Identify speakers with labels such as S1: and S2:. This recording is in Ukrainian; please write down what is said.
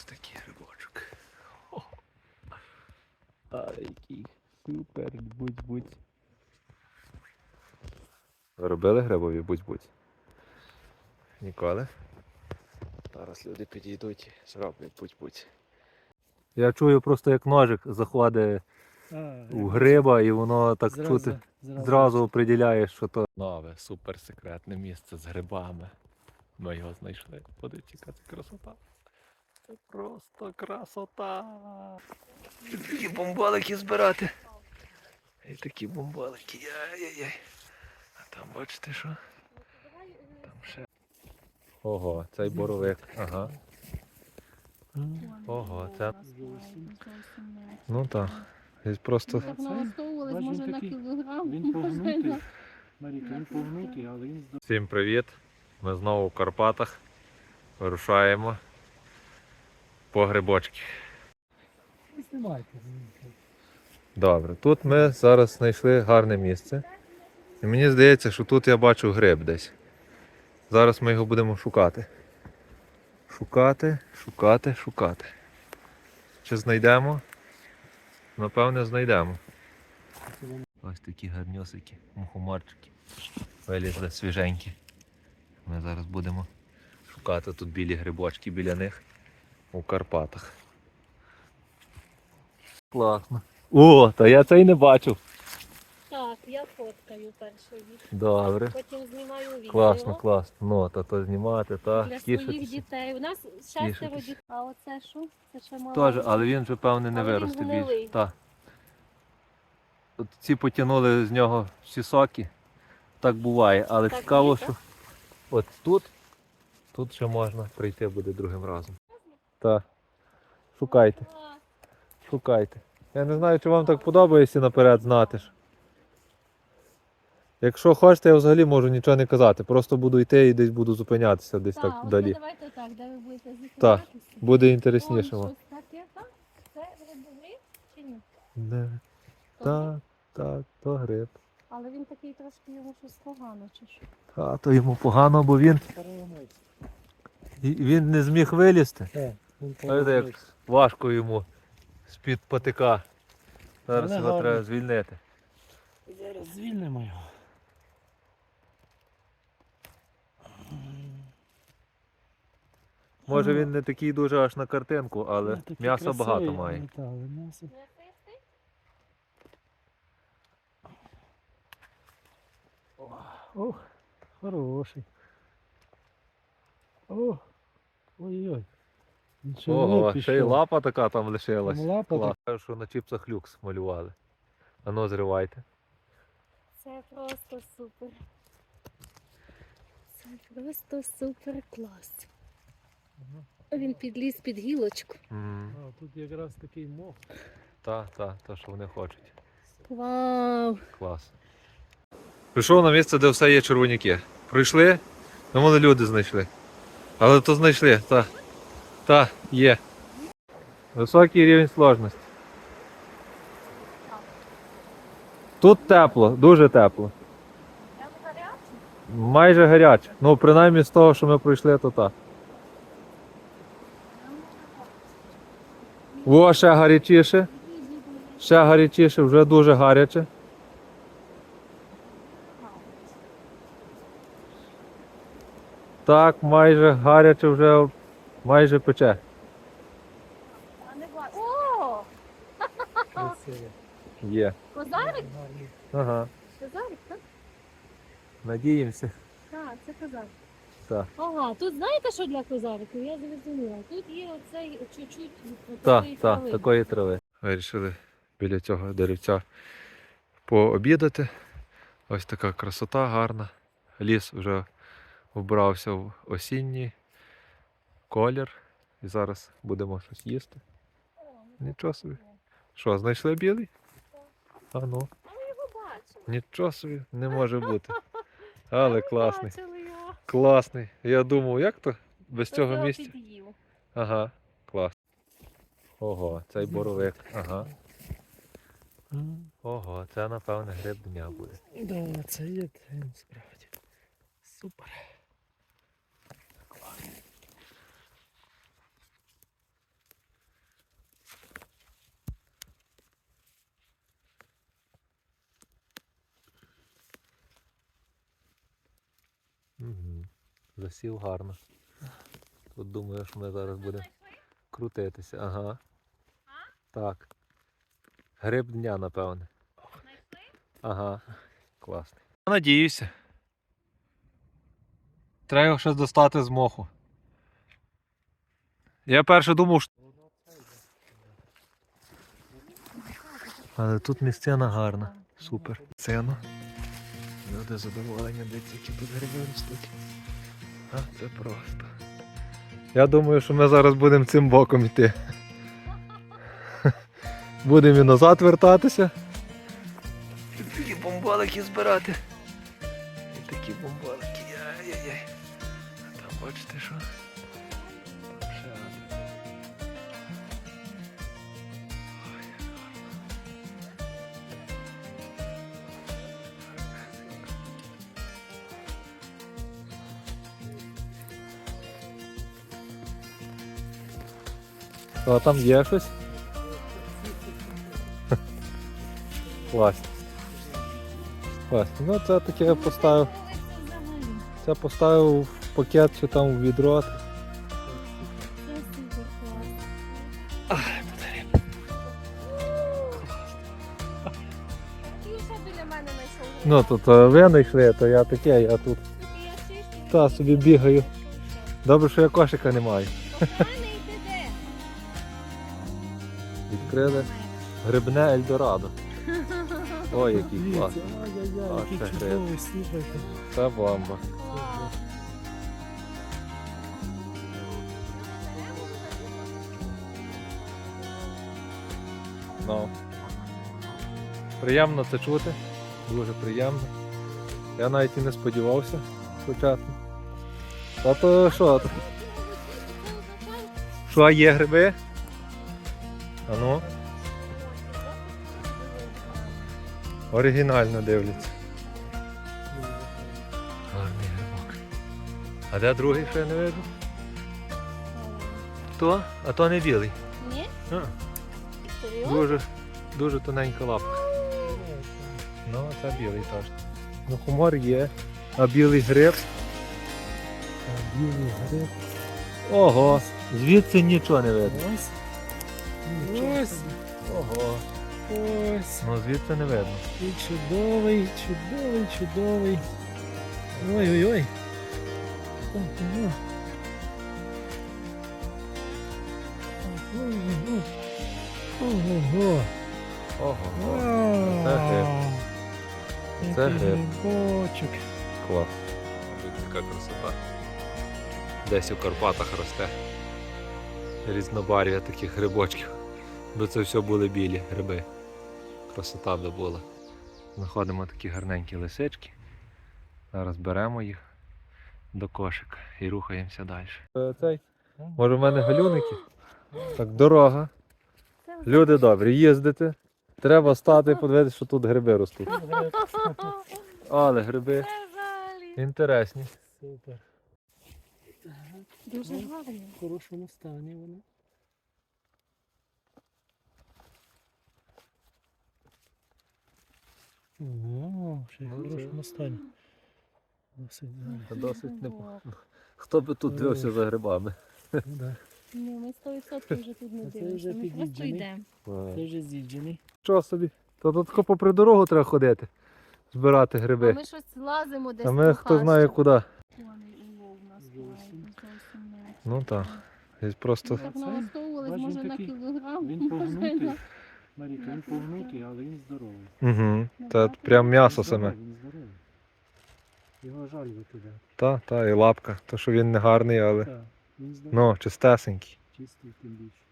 S1: Ось такий грибочок. А який супер, будь-будь. Ви робили грибові будь-будь? Ніколи? Зараз люди підійдуть і зроблять будь-будь. Я чую просто як ножик заходить у гриба і воно так чути. Зразу определяєш, що то нове, суперсекретне місце з грибами. Ми його знайшли. Подивіться, яка це красота. Це просто красота. І такі бомбалики збирати. І такі бомбалики. Яй-яй-яй. А там бачите що? Там ще. Ого, цей боровик. Ага. Ого, це. Ну так. Він просто.
S2: Так налаштовувались, може на кілограм.
S3: Він погнутий. Маріка, він погнутий, але він здоровий.
S1: Всім привіт! Ми знову в Карпатах. Вирушаємо по грибочки.
S3: Знімайте.
S1: Добре, тут ми зараз знайшли гарне місце. І мені здається, що тут я бачу гриб десь. Зараз ми його будемо шукати. Шукати. Чи знайдемо? Напевне, знайдемо. Ось такі гарнюсики, мухоморчики. Вилізли свіженькі. Ми зараз будемо шукати тут білі грибочки біля них у Карпатах. Класно. О, та я цей не бачив.
S2: Так, я фоткаю перший від.
S1: Добре.
S2: Потім знімаю відео.
S1: Класно. Ну, то знімати, та
S2: Для своїх
S1: тішитися.
S2: дітей. У нас 6
S1: Тішитися.
S2: дітей. А оце що? Це ще мало.
S1: Теж, але він вже, певне, не
S2: Але він
S1: виросте
S2: гнилий.
S1: більше. Так. От ці потягнули з нього всі соки. Так буває, але
S2: Так
S1: цікаво,
S2: є,
S1: що от тут ще можна прийти буде другим разом. Так. Шукайте. Я не знаю, чи вам так подобається наперед знати ж. Якщо хочете, я взагалі можу нічого не казати. Просто буду йти і десь буду зупинятися десь так
S2: Так,
S1: вдалі.
S2: давайте так, де ви будете зупинятися.
S1: Так, буде
S2: Вон
S1: інтересніше.
S2: щось таке, так? Це грибовий чи ні?
S1: Не.
S2: То
S1: Так, то гриб.
S2: Але він такий трошки йому щось погано, чи що?
S1: А то йому погано, бо він не зміг вилізти. Знаєте, як важко йому з-під патика. Зараз
S3: Але
S1: його
S3: гарно.
S1: треба звільнити.
S3: Зараз звільнимо його.
S1: Може він не такий дуже аж на картинку, але м'яса багато має.
S3: М'ясо. Ох, хороший. О, ой-ой.
S1: Ого, ще й лапа така там лишилась.
S3: Там лапа
S1: Клас. Кажуть, що на чіпсах люкс малювали. А ну зривайте.
S2: Це просто супер. Це просто супер клас. Він підліз під гілочку.
S3: А, тут якраз такий мох.
S1: Та, що вони хочуть.
S2: Вау!
S1: Клас. Прийшов на місце, де все є червоняки. Прийшли, думали, люди знайшли. Але то знайшли, та, є. Високий рівень сложності. Тут тепло, дуже тепло. Майже гаряче. Ну, принаймні з того, що ми пройшли, то так. О, ще гарячіше. Ще гарячіше, вже дуже гаряче. Так, майже гаряче вже, майже пече.
S2: О!
S3: Красивий.
S1: Є.
S2: Козарик?
S1: Ага.
S2: Козарик, так?
S1: Надіємося.
S2: Так, це козарик.
S1: Так.
S2: Ага, тут знаєте, що для козариків? Я зрозуміла. Тут є оцей чуть-чуть
S1: Так, такої трави. Вирішили біля цього деревця пообідати. Ось така красота гарна. Ліс вже вбрався в осінній колір. І зараз будемо щось їсти. Нічого собі. Що, знайшли білий? А ну.
S2: А ми його бачили.
S1: Нічого собі, не може бути. Але класний.
S2: Бачили його.
S1: Класний. Я думав, як то без
S2: Хтось
S1: цього
S2: його
S1: місця?
S2: під'їв.
S1: Ага, клас. Ого, цей боровик. Ага. Ого, це напевне гриб дня буде.
S3: Да, це є він справді. Супер.
S1: Засів гарно. Тут думаю, що ми зараз будемо крутитися. Ага. Так. Гриб дня, напевне. Ага. Класний. Надіюся. Треба його щось достати з моху. Я перше думав, що... Але тут місцина гарна. Супер. Сцену. Люди задоволені, дивіться, які тут гриби ростуть. А це просто. Я думаю, що ми зараз будемо цим боком йти. Будемо і назад вертатися. І такі бомбалики збирати. І такі бомбалики. Яй-яй-яй. А там бачите що? Там ще один. Ой, як гарно. А там є щось? Класно. Класно. Ну це таке я поставив. Це поставив в пакет чи там в відро.
S2: Це супер клас. І ще біля мене знайшов.
S1: Ну тут ви знайшли, то я таке, я тут та собі бігаю. Добре, що я кошика не маю. Відкрили грибне Ельдорадо. Ой, який класний.
S3: Ай-яй-яй,
S1: А,
S3: який
S1: це
S3: чудовий, слухайте.
S1: Це бомба. Ну. Приємно це чути. Дуже приємно. Я навіть і не сподівався спочатку. А то що? Що, є гриби? А ну? Оригінально дивляться. Гарний грибок. А де другий, що я не виджу? То? А то не білий.
S2: Ні?
S1: А,
S2: Серйозно?
S1: дуже тоненька лапка. Ну, це білий теж. Ну, хумор є. А білий гриб?
S3: А білий гриб.
S1: Ого, звідси нічого не видно.
S3: Ось. Нічого
S1: Ось.
S3: собі.
S1: Ого.
S3: Ось.
S1: Ну звідси не видно.
S3: І чудовий, чудовий, чудовий. Ой-ой-ой. Ого. Ого. Ого.
S1: Ого.
S3: Вау.
S1: Це гриб. Це
S3: Який
S1: гриб.
S3: грибочок.
S1: Клас. Яка красота. Десь у Карпатах росте. Різнобарв'я таких грибочків. Бо це все були білі гриби. Красота би була. Знаходимо такі гарненькі лисички. Зараз беремо їх до кошика і рухаємося далі. Цей, може в мене галюники? Так, дорога. Люди добрі, їздите. Треба стати і подивитися, що тут гриби ростуть. Але гриби
S2: Це взагалі.
S1: інтересні.
S3: Супер.
S2: Дуже гарні.
S3: В хорошому стані вони. Ого, ще й в
S1: Ну, це-
S3: хорошому стані. Досить гарно.
S1: Досить непогано. Хто би тут дивився за грибами?
S3: Ну, да.
S2: Ні, ми 100% вже тут не
S3: А це
S2: дивимося.
S3: вже
S2: Ми просто
S3: під'їджений.
S2: йдемо.
S3: Це вже з'їджений.
S1: Що собі? То тут тако попри дорогу треба ходити, збирати
S2: А
S1: гриби.
S2: ми щось лазимо десь.
S1: А ми хто знає куди.
S2: Улов у нас
S3: Зовсім.
S2: зовсім не.
S1: Ну так. Десь просто.
S2: Так налаштовувались,
S3: Бачиш,
S2: може
S3: він
S2: на
S3: такий-
S2: кілограм.
S3: Він погнутий. Маріка, він погнутий, але він здоровий.
S1: Угу. Це прям м'ясо саме.
S3: Він здоровий. Його жаль викидати.
S1: Та, і лапка. То що він не гарний, але
S3: Так, він здоровий.
S1: ну, чистесенький.
S3: Чистий тим більше.